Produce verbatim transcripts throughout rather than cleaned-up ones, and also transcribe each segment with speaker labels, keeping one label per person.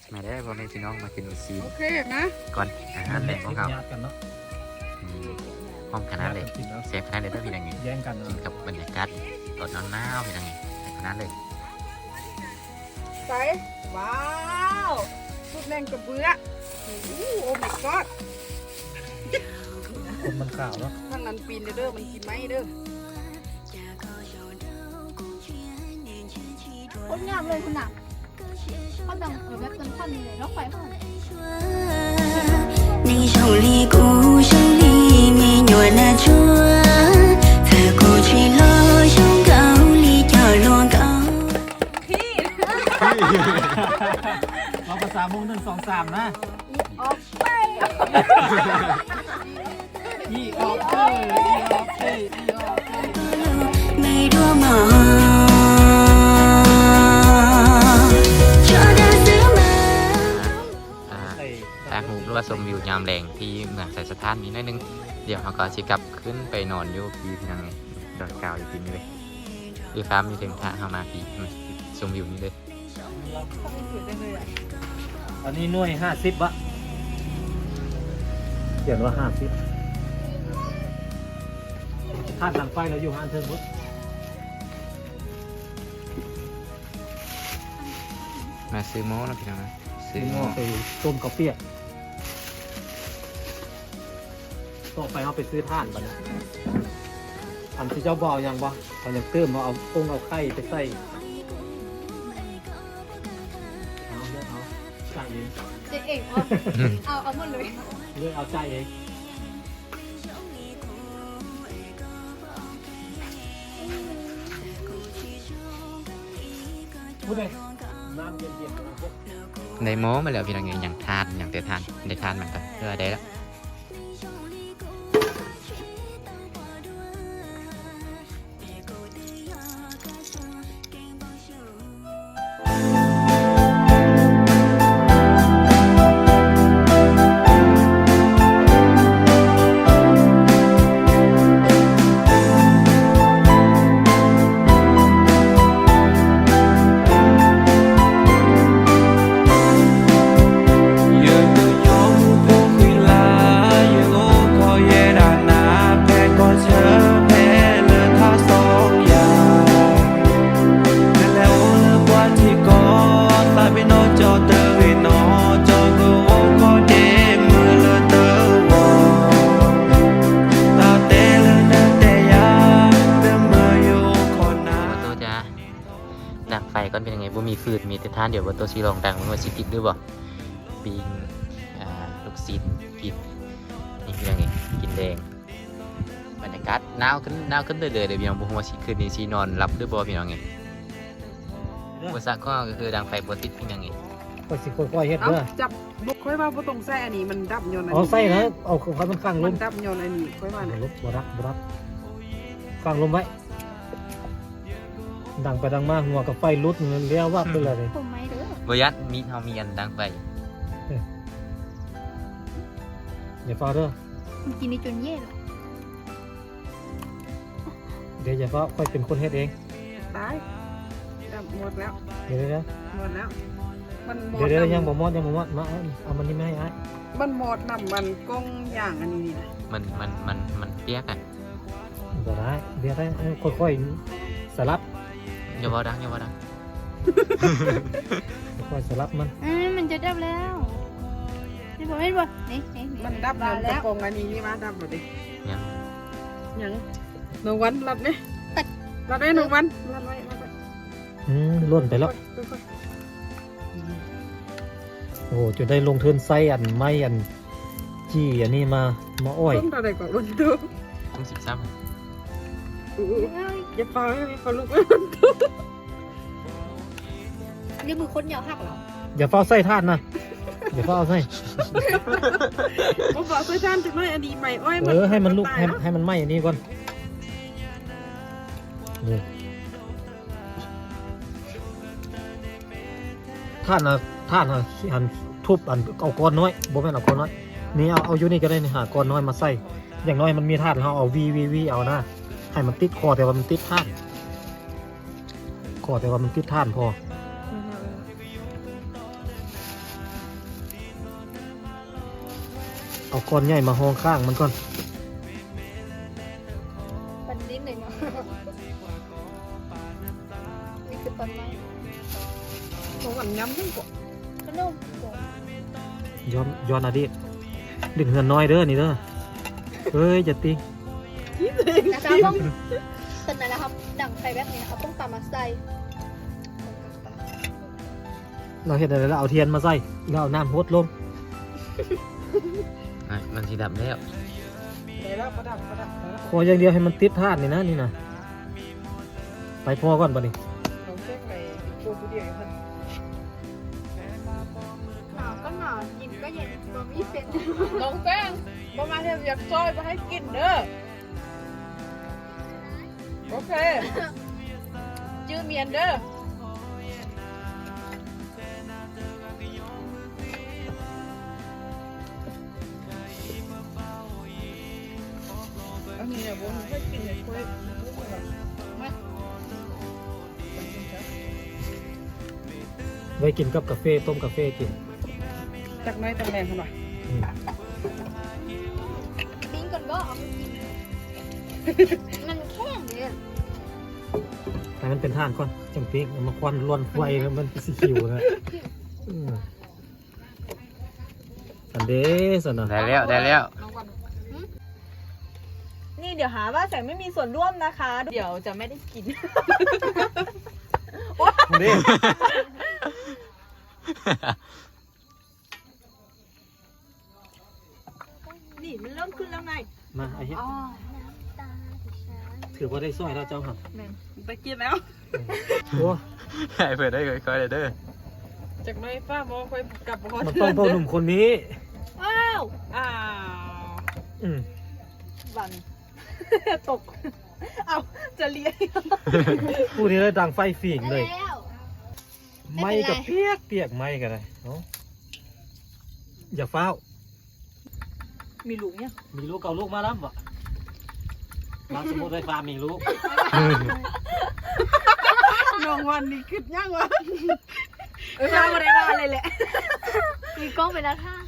Speaker 1: มาได้พ่อแม่พี่น้องมากินอุซีน
Speaker 2: โอเคนะ
Speaker 1: ก่อนอาหารแหล่งของเขา
Speaker 3: ญาติกันเนาะ
Speaker 1: ห้องคณะเลย
Speaker 3: กินแล้ว
Speaker 1: เซฟคณะเลยได้พี่นังไง
Speaker 3: แย่งกัน
Speaker 1: กิน
Speaker 3: เนาะ
Speaker 1: กับบรรยากาศตอนหนาวๆพี่นังไงเซฟคณะเลย
Speaker 2: ใส่ว้าวสุดแรงกระเบื้อโอ้โหโอ้ my god
Speaker 3: คนมันข่าวเนาะ
Speaker 2: ทางนั้นปีนเด้อมันกินไหมเด้อ
Speaker 4: โคตรงามเลยคุณหนักเขาดังเออแบบเป็นท่อนเลยรถไฟเขา
Speaker 5: 你手里鼓手里面有那车，在过去路上高里角落高。
Speaker 3: เราภาษามุงหนึ่งสองสามนะ
Speaker 4: ออกไป
Speaker 3: อีออกเอ้ยอีออกเอ้ยอีออกเอ้ย
Speaker 5: 没多忙，说的什么？
Speaker 1: อ่าตากหูหรือว่าชมวิวยามแรงที่เมืองไซสถานนี้หนิดนึงเดี๋ยวเขาก็ชิกลับขึ้นไปนอนอยู่พี่พี่นังไงดอยกาวอยู่ที่นี่เลยดีฟ้ามีถึงท่าเข้ามาพี่มาชมวิวนี้เลย
Speaker 3: อันนี้หน่วยห้าสิบวะเขียนว่าห้าสิบท่านหลังไฟเราอยู่ห้านเทิงพุทธ
Speaker 1: มาซื้อโม้นะพี่น้องนะซื้อ
Speaker 3: ซื้อหม้
Speaker 1: โม้
Speaker 3: อไปต้มกาแฟต่อไปเอาไปซื้อท่านบัดนะอันที่เจ้าบอกยังวะเขาจะเติมมาเอาองเอาไข่ไปใส่เอาเลือกเอาจ่ายเอง
Speaker 4: เจ๊เอกเอาเอาหมดเลย
Speaker 3: เลือกเอาจ่ายเองพูดเลยน้ำเย็นๆนะพวก
Speaker 1: ในโม้มาแล้วพี่นังไงอย่างทานอย่างเตะทานได้ทานมันก็เพื่อได้แล้ว ดังไฟก่อนเป็นยังไงบ่มีฟืนมีแต่ท่านเดี๋ยวว่าตัวซีลองดังมันว่าสิติดหรือบ่ปิงอ่าลูกศิษย์กินนี่เป็นยังไงกินแดงบรรยากาศหนาวขึ้นหนาวขึ้นเรื่อยๆเดี๋ยวพี่น้องบ่ฮู้ว่าสิคืนนี้สินอนรับหรือบ่พี่น้องไงอุปสรรคก็คือดังไฟบ่ติดเป็นยังไง
Speaker 3: ก็สิค่อยๆเฮ็ด
Speaker 2: เอา
Speaker 3: เด้อ
Speaker 2: จับบุกค่อยว่าบ่ต้องใส่อันนี้มันดับยนต์อัน
Speaker 3: เอา
Speaker 2: นี้
Speaker 3: ใส่นะเอาความมันข้างล
Speaker 2: มั
Speaker 3: ม
Speaker 2: นดับยนต์อันนี้ค่อยว่า
Speaker 3: เอา
Speaker 2: นะ
Speaker 3: ลบบ่รับบ่รับข้างลมไว้ดังไปดังมาหัวกับไฟลุดเงินเลี้ยววับไปเลย
Speaker 4: ผมไม่เด้อ
Speaker 1: บ่ยัดมีเฮามีอันดังไฟ
Speaker 3: อย่าฟ้าเด้อ
Speaker 4: มันกินในจนเย่หรอ
Speaker 3: เดี๋ยวอย่าฟ้าค่อยเป็นคนเฮ็ดเอง
Speaker 2: ตายดับหมดแล้ว
Speaker 3: เดี๋ยวเดี๋ยว
Speaker 2: หมดแล้วมันหมด
Speaker 3: เดี๋ยวเดี๋ยว
Speaker 2: น้ำ
Speaker 3: ยังบ่มอดยังบ่มอดมาเอาเอามันนี่ไม่ให้อ้าย
Speaker 2: มันหมดน้ำมันกล้องอย่างอันนี้นี่นะ
Speaker 1: มันมันมันมันเปียกอ่ะ
Speaker 3: บ่ได้เดี๋ยวได้เออค่อยๆสลับ
Speaker 1: อย่าเว้าดังอย่าเว้าดัง
Speaker 3: ค่อยๆสลับมัน
Speaker 4: อืมมันจะดับแล้วนี่บอกไม่บอกนี่นี่
Speaker 2: มันดับยนต์กระ
Speaker 4: แล้ว
Speaker 2: โปรงอันนี้นี่มาดับหมดดิ
Speaker 1: ยัง
Speaker 2: ยังหนึ่งวันรับไหมรับได้หนึ่งวันรับไว้รับไว้
Speaker 3: อืมล้นไปแล้ว
Speaker 2: ค่อย
Speaker 3: โอ้โหจนได้ลงทุนใส่อันไม้อันจี้อันนี้มามาอ้อย
Speaker 2: ๆต้มตัวใดก่อนรุ่นดู
Speaker 1: ต้องสิบซ้ำ
Speaker 2: อู้อย่าเป่าให้เขาลุก
Speaker 4: นี่มือคนเหนียวหักเหรอ
Speaker 3: อย่าเฝ้าใส่ท่านนะอย่าเฝ้าใส่
Speaker 2: ผมบอกช่วยท่านจังเลยอันนี้ใหม่อ้อย
Speaker 3: เออให้มันลุก
Speaker 2: ตาย
Speaker 3: ให้
Speaker 2: แล้ว
Speaker 3: ให้มันไหม้อันนี้ก่อนนี่ท่านนะท่านนะหันทุบอันเอาก้อนน้อยบ่แม่นเอาก้อนน้อยนี่เอาเอาอยู่นี่ก็ได้นี่หาก้อนน้อยมาใส่อย่างน้อยมันมีท่านเราเอาวีวีวีเอานะให้มันติดคอแต่ว่ามันติดท่านคอแต่ว่ามันติดท่านพอเอาก้อนใหญ่มาห้องข้างมันก่อน
Speaker 4: ปันนิดหน่อยเนาะนี่คือตอนไหน
Speaker 2: ของหวานย้ำทั้งกว่า
Speaker 4: ขนมโก
Speaker 3: ย้อนย้อนอดีตดึงเงินน้อยเด้อนี่เด้อเฮ้ยจะตี
Speaker 4: นะคะต้องตอนนั้นนะครับดังไฟแบบนี้นะครับต้องตามมาใส่
Speaker 3: เราเห็นอะไรแล้วเอาเทียนมาใส่แล้วเอาน้ำหดลง
Speaker 1: อ่ะมันสีดับแล้ว
Speaker 2: ได้แล้วประดับประดับได้แล้ว
Speaker 3: พออย่างเดียวให้มันติดธาตุนี่นะนี่นะไปพอก่อนปะนี่
Speaker 2: เราเช็คไปโคตรเดียวเพิ่น
Speaker 4: หนาวก็หนาวเย็นก็เย็นตัวมีเส้น
Speaker 2: น้องแป้งบ่มาเทียบอยากซอยมาให้กินเด้อโอเคจื้อเมียนเด้ออันนี้เนี่ยบ่ให้กินเลยคุยมา
Speaker 3: ไว้กินกับกาแฟต้มกาแฟกิน
Speaker 2: จากไหนตำแหน่งเขาหน่อย
Speaker 3: อืม
Speaker 4: ปิ้งก่อนก็เอาไปกินมันแข็งเลย
Speaker 3: ให้มันเป็นท่านก่อนจังปีกเอามาควันล้วนไฟแล้วมันสีเขียวนะอืมอันเด้สนะ
Speaker 1: ได้แล้วได้แล้ว
Speaker 2: นี่เดี๋ยวหาว่าแสงไม่มีส่วนร่วมนะคะ เดี๋ยวจะไม่ได้กิน
Speaker 3: อันเด้
Speaker 2: นี่มันเริ่มขึ้นแล้วไง
Speaker 3: มาไอ้เหี้ย
Speaker 4: อ๋อ
Speaker 3: ถือว่าได้สร้อยแล้วเจ้าครับ
Speaker 2: แม่งไปกินแล้ว
Speaker 3: โอ้
Speaker 1: ให้เพื่อนได้ค่อยๆเลยเด้อ
Speaker 2: จากไหนป้ามองไปกลับมา
Speaker 3: มันต้องพ่อหนุ่มคนนี้
Speaker 4: ว้าว
Speaker 2: อ้าว
Speaker 3: อืม
Speaker 2: บัน ตก เอาจะเลี้ยง
Speaker 3: ผู้นี้เลยดังไฟฝีงเลย
Speaker 4: แล้ว
Speaker 3: ไม่กับเปียกเปียกไม่กันเลยเนาะอย่าเฝ้าว
Speaker 2: มีลูกเนี่ย
Speaker 3: มีลูกเก่าลูกมาแล้วบ่มาสมมติไฟฟ้ามีลูก
Speaker 2: น้องวันนี้ขึ้นยังวะเออมาอะไรมาเลยแหละ
Speaker 4: มีกล้องไปแล้วค่ะ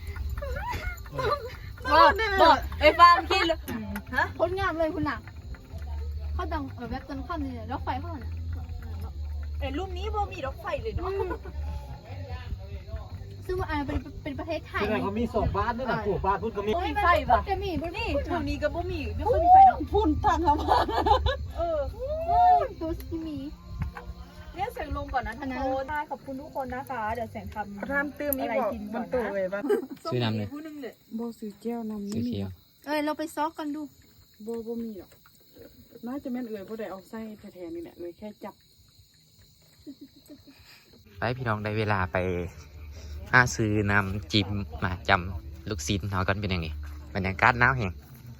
Speaker 2: บอกบอกไอ้ฟ้าคิดเลยฮะ
Speaker 4: พ้นงามเลยคุณหนักเขาดังเออแบบต้นขั้นเลยรถไฟเขาน่ะ
Speaker 2: ไอ้รูปนี้บ่มีรถไฟเลยเนาะ
Speaker 4: ซึ่งว่าอ่าเป็นเป็นประเทศไทย
Speaker 3: ที่ไหนเขามีสองบ้านด้วยนะผู้บ้านพุ่นก็มี
Speaker 2: มีไฟป่ะ
Speaker 4: จะมีบน
Speaker 2: นี่
Speaker 4: นี่
Speaker 2: แถวนี้ก็บ่มีไม่ค่อยมีไฟเนาะพุ่นทางเข้ามาเออ
Speaker 4: ตัวที่มี
Speaker 2: เรียกเสียงลมก่อนนะทุกคนได้ขอบคุณทุกคนนะคะ เดี๋ยวเสียงทำทำตื้มอะไรกินมันตัวเลยป่ะ
Speaker 1: ซื้อน้ำเลย
Speaker 2: ผู้นึงเนี่ย
Speaker 6: โบซื้อเจลนำ
Speaker 1: สี
Speaker 6: นี่
Speaker 1: เขียว
Speaker 4: เอ้ยเราไปซอกกันดู
Speaker 6: โบโบมีหรอกน่าจะแม่นเอ่ยโบได้เอาไส้แทนนี่แหละเลยแค่จับ
Speaker 1: ไปพี่น้องได้เวลาไปหาซื้อน้ำจิ้มมาจำลูกศิษย์เขากันเป็นยังไงบรรยากาศหนาวแห้ง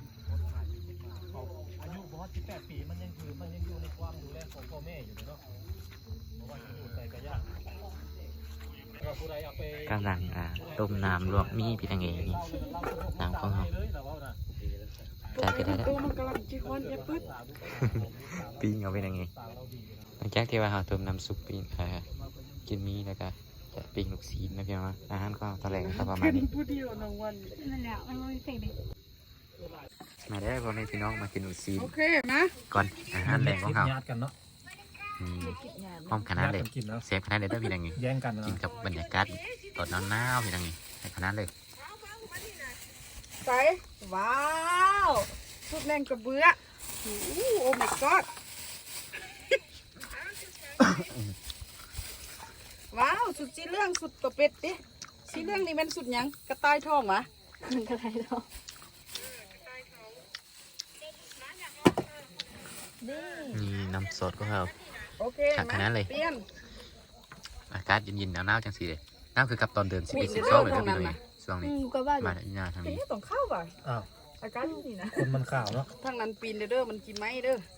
Speaker 3: อายุบอสสิบแปดปีมันยังคือมันยังอยู่ในความดูแลของพ่อแม่อยู่เนาะเพราะว่าอยู่ใส่กระยาเราผู้ใดเอาไป
Speaker 1: กำลังอ่าต้มน้ำลวกมีเป็นยังไงนี่น้ำของเขาได้ไปได้แล้ว
Speaker 6: ตัวมันกำลังจีคอนเอฟปึ๊ด
Speaker 1: ปิ้งเอาเป็นยังไงหลังจากที่ว่าเราต้มน้ำซุปปิ้งอ่ากินมีแล้วก็จะปิ้งลูกศิษย์นะพี่น้องนะอาหารก็ตะแหลงก็ประมาณ
Speaker 6: เป็น
Speaker 1: นี้
Speaker 6: ผู้เดียวน้องวัน
Speaker 4: นั่นแหละมันไม่เพลงเด็ก
Speaker 1: มาได้พ่อแม่พี่น้องมากินลูกศิษ
Speaker 2: โอ
Speaker 1: ย์
Speaker 2: เคนะ
Speaker 1: ก่อนอาหารแรงของเขา
Speaker 3: ญาติกันเนาะ
Speaker 1: อืมพร้อมขนาดเลย
Speaker 3: กินแล้ว
Speaker 1: เซฟขนาดเลยได้พี่ยังไง
Speaker 3: แย่งกัน
Speaker 1: กิน
Speaker 3: นะ
Speaker 1: กับบรรยากาศตอนหนาวๆพี่ยังไงในขนาดเลย
Speaker 2: ใส่ว้าวสุดแรงกระเบื้อโอ้โอ้ my god ว้าวสุดสีเรื่องสุดตัวเป็ดดิสีเรื่องนี่มันสุดหยังกระต่ายทองมะ
Speaker 4: มันก็ไรหรอก
Speaker 1: นี่น้ำสดก็เขา
Speaker 2: โอเค
Speaker 1: จากขนาดเลย
Speaker 2: เปลี่ยน
Speaker 1: อากาศเย็นๆหนาวๆจังสีเลยหนาวคือกับตอนเดินสิบเอ็ด
Speaker 2: มี
Speaker 1: สิบ
Speaker 2: เด้
Speaker 1: สอง
Speaker 2: อ
Speaker 1: เลยนะพี่
Speaker 2: ตรงนั้
Speaker 1: เลย
Speaker 2: นน่ะ
Speaker 1: ช่วง
Speaker 4: อื
Speaker 1: นี้
Speaker 4: มก็ว่าอ
Speaker 1: มา
Speaker 4: ยู่
Speaker 1: ได้ยาทาง
Speaker 2: เฮ้
Speaker 1: นี้
Speaker 2: ยต้องเข้าป่ะ
Speaker 3: อ้าว
Speaker 2: อากาศนี่นะ
Speaker 3: คนมันข่าวเนาะ
Speaker 2: ทางนั้นปีนเด้อมันกินไหมเด้อ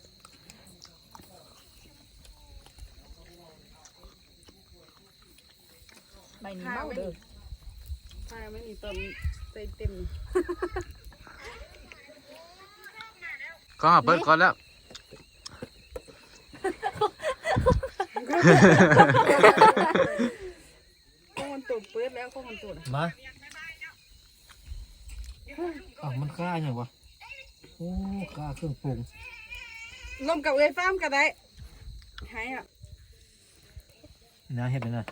Speaker 2: ใบนี้เมาเด้อถ้าไม่มีเติมเต็มเต็ม
Speaker 1: ก็เปิดก่อนแล้ว
Speaker 2: ข้องมันตูดเปิดแล้วข้องมันตูด
Speaker 3: มาอ้าวมันค่าอย่างวะโอ้ค่าเครื่องปรุง
Speaker 2: ลมกับเอ้ยฟ้ามก็ได้หายอ่ะ
Speaker 3: นะเห็ดเลยนะ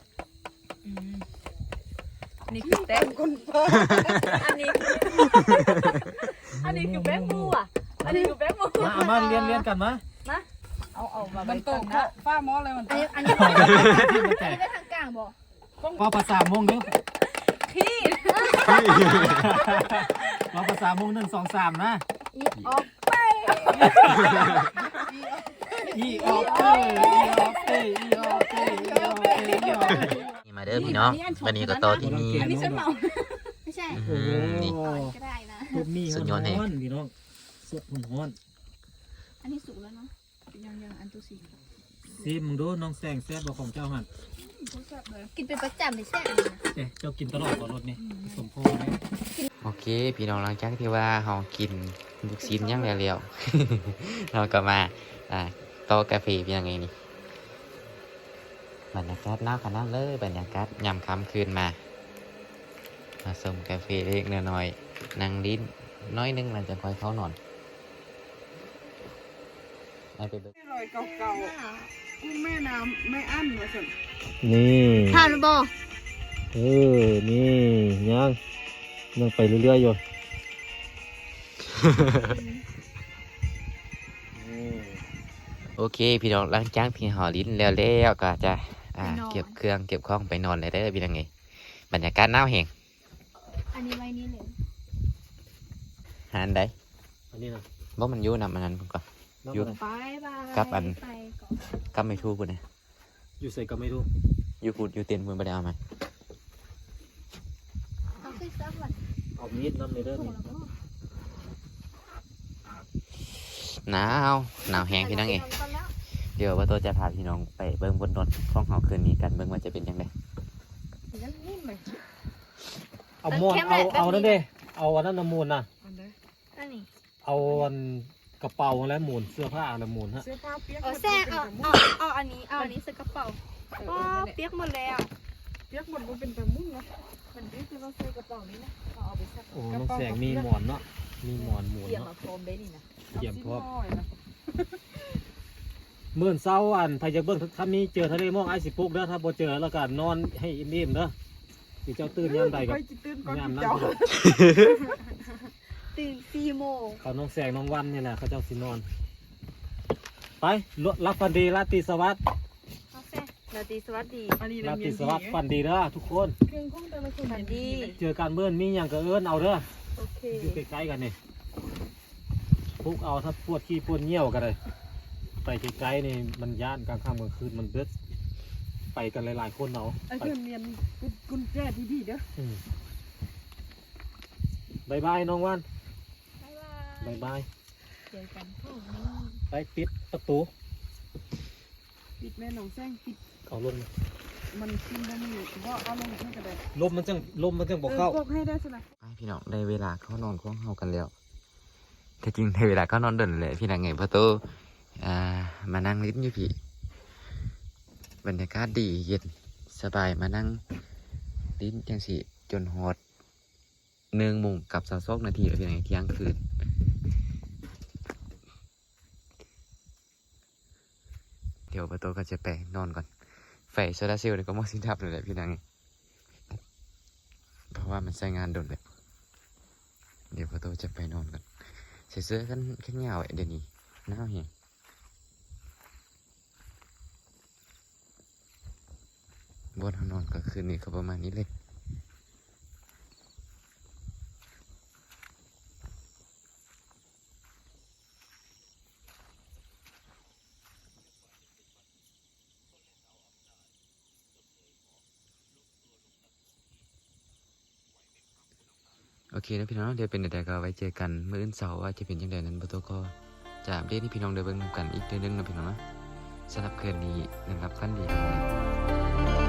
Speaker 2: นี่คือแป้งคนเปิด
Speaker 6: อันนี้ อันนี้คือแป้งมูอ่ะ อันนี้คือแป้งมู
Speaker 3: มาเอามาเรียนเรียนกันมา
Speaker 6: เอาเอามา
Speaker 2: มันโตกเนาะฟ้าหมอเลยมัน
Speaker 4: อัน
Speaker 2: โต
Speaker 4: นี้
Speaker 2: ก
Speaker 4: อันนี้
Speaker 3: ที่มันแตก
Speaker 4: ไม่ทางกลางบอก
Speaker 3: ว่าภาษาโมงเด้อ
Speaker 2: พี่
Speaker 3: ว่าภาษาโมงหนึ่งสองสามนะ
Speaker 4: อีออก
Speaker 3: อีออกเอ้ยอีออกเอ้ยอีออกเอ้ยอีออกเอ้ยอีออกเอ้ย
Speaker 1: นี่มาเด้อพี่น้องวันนี้ก็ต่อที่นี่
Speaker 2: อันนี้ฉันเมา
Speaker 4: ไม่ใช่
Speaker 1: อื้อหือนี่
Speaker 4: ก่อนก็ได้นะ
Speaker 3: รถมี
Speaker 1: สุดยอดแห่
Speaker 3: ฮ้อนๆพี่น้องสดฮ้อน
Speaker 4: อันนี้สุกแล้วเนาะ
Speaker 2: ยังยังอันตุสี
Speaker 3: ๆซีมึงดูน้องแซงแซ่บบ่ของเจ้าหัน
Speaker 4: กินเป็นประจำไม่ใช่อันนี้นะ
Speaker 3: เอ๊ะเจ้ากินตลอดบ่รถนี่สมพรเลย
Speaker 1: โอเค พี่น้องหลังจากที่ว่าเรากินลูกชิ้นย่างแล้วๆ เราก็มาอ่าโต๊ะกาแฟเป็นยังไงนี่บรรยากาศน่าขนาดเลยบรรยากาศยามค่ำคืนมา มาส่งกาแฟเล็กน้อยๆนั่งลิ้นน้อยนึงหลังจากคอยเข้านอนไปไปเบิ่ง
Speaker 2: รอยเก่าๆกุ้งแม่น้ำไม่อั้นเลยสิ
Speaker 3: นี่
Speaker 4: ทานหรือบ่
Speaker 3: เออนี่ยังยังไปเรื่อยๆอยู่
Speaker 1: โอเค พี่น้องหลังจากพี่หอลิ้นแล้วแล้วก็จะอ่าเก็บเครื่องเก็บของไปนอนเลยเด้อพี่น้องไงบรรยากาศหนาวแห้ง
Speaker 4: อันนี้ไว้นี่เลย
Speaker 1: หานได้
Speaker 3: อันนี้นะ
Speaker 1: บ่มันอยู่นำมันนั้นผมก่อน อยู่
Speaker 4: บายบาย
Speaker 1: กับอัน
Speaker 4: ไปก่อน
Speaker 1: ก็ไม่ทู่ปุ่นนะ
Speaker 3: อยู่ใส่ก็ไม่รู้
Speaker 1: อยู่พูดอยู่เตียนปุ่นไปได้เอาไหม
Speaker 4: เอาขึ้นซักวัน
Speaker 3: เอามีดน้ำในเด้อ
Speaker 4: ถูก
Speaker 3: นี่
Speaker 4: แล้วก็
Speaker 1: หนาวหนาวแห้งพี่น้องเองเดี๋ยวว่าตัวจะพาพี่น้องไปเบิ่งบนรถห้องเฮาคืนนี้กันเบิ่งว่าจะเป็นยังไง
Speaker 2: ยังนิ่มเลย
Speaker 3: เอาม้วนเอาเอานั่นเด้เอาอันนั้นน้ำมูลนะ
Speaker 2: อันใด
Speaker 4: อันนี้
Speaker 3: เอาอันกระเป๋าและหมุนเสื้อผ้าและหมุนฮะ
Speaker 2: เสื้อผ้าเปียก
Speaker 4: เอาแซ่เอาเอาเอาอันนี้เอาอันนี้ใส่กระเป๋าว้าเปียกหมดแล้ว
Speaker 2: เปียกหมดมันเป็นตะมุ่งนะมันนี่คือเราใส่กระเป๋านี้นะเอาเอาไปซัก
Speaker 3: โอ้น้องแสงมีหมอนเนาะมีหมอนหมุน
Speaker 6: เกี่ยว
Speaker 3: เนาะ
Speaker 6: มาโฟมเบนี่นะ
Speaker 3: เกี่ยมพร้อม
Speaker 2: น้อยนะ
Speaker 3: เมื่อเช้าอันไผจะเบิ่งถ้ามีเจอทะเลหมอกไอสิปลุกเด้อถ้าบ่เจอแล้วก็นอนให้อิ่มๆเด้อสิเจ้าตื่นยามใดกับ
Speaker 2: ไปจิตื่นก่อน
Speaker 3: ยามนั้น
Speaker 2: เจ้า
Speaker 3: พุ่น
Speaker 4: ตื่นสี่โมง
Speaker 3: เขาน้องแสงน้องวันนี่แหละเขาเจ้าสินอน ไปรับฟันดีราตรีสวัสดิ์
Speaker 4: เอาแซ่ราตรีสวัสดี
Speaker 2: อันนี้
Speaker 3: รา
Speaker 2: เรี
Speaker 3: ตรี
Speaker 2: ยน
Speaker 3: สวัสดิ์ฟันดีเด้อทุกคน
Speaker 2: เครื่องของแต่ละคน
Speaker 4: สวัสดี
Speaker 3: เจอกันเมื่อนมีอย่างก็เอิ้นเอาเด้อ
Speaker 2: โอเค
Speaker 3: อยู่ใกล้ๆกันนี่พวกเอาถ้าปวดขี้ปวดเยี่ยวกันเลยไปไกลๆนี่มันย่านกลางค่ำกลางคืนมันเบิดไปกันหลายๆคนเอา
Speaker 2: ไอ้
Speaker 3: ไป
Speaker 2: เพื่อนเรียนกุญแจที่พี่เด้อ
Speaker 3: อืมบายบายน้องวัน
Speaker 4: บ๊ายบาย
Speaker 3: บายบาย
Speaker 4: เจอกันพรุ่งนี้
Speaker 3: ไปปิดประตู
Speaker 2: ปิดแม่หนองแซงปิด
Speaker 3: เอาลม
Speaker 2: มันกินได้ไม่อยู่ก็เอาลงให้ก็ได้
Speaker 3: ลมมันจังลมมันจังบอกเข้า
Speaker 2: พวกให้ได้สินะ
Speaker 1: ไปพี่น้องได้เวลาเข้านอนของเฮากันแล้วแต่จริงได้เวลาเข้านอนเดินเลยพี่น้องไงเพราะตัวอ่ามานั่งลิ้นอยู่พี่บรรยากาศดีเย็นสบายมานั่งลิ้นจังสิจนฮอดหนึ่งโมงกับสามสิบนาทีแล้วพี่น้องเที่ยงคืนเดี๋ยวประตูก็จะไปนอนก่อนไฟโซลาร์เซลล์เนี่ยก็หมดสิ้นทับเลยแหละพี่น้องไงเพราะว่ามันใช้งานโดนเลยเดี๋ยวประตูจะไปนอนกันใส่เสื้อกันแค่เงาไอ้เดี๋ยวนี้หนาวเหี้ยบนห้องนอนก็คืนนี้ก็ประมาณนี้เลย โอเคนะพี่น้องเดี๋ยวเป็นเดี๋ยวก็ไว้เจอกันมื้ออื่นเสาร์ว่าจะเป็นยังไงนั้นประตูก็จะอัปเดตให้พี่น้องได้เบิ่งนำกันอีกเดือนหนึงนะพี่น้องนะสำหรับคืนนี้นะครับฝันดีครับ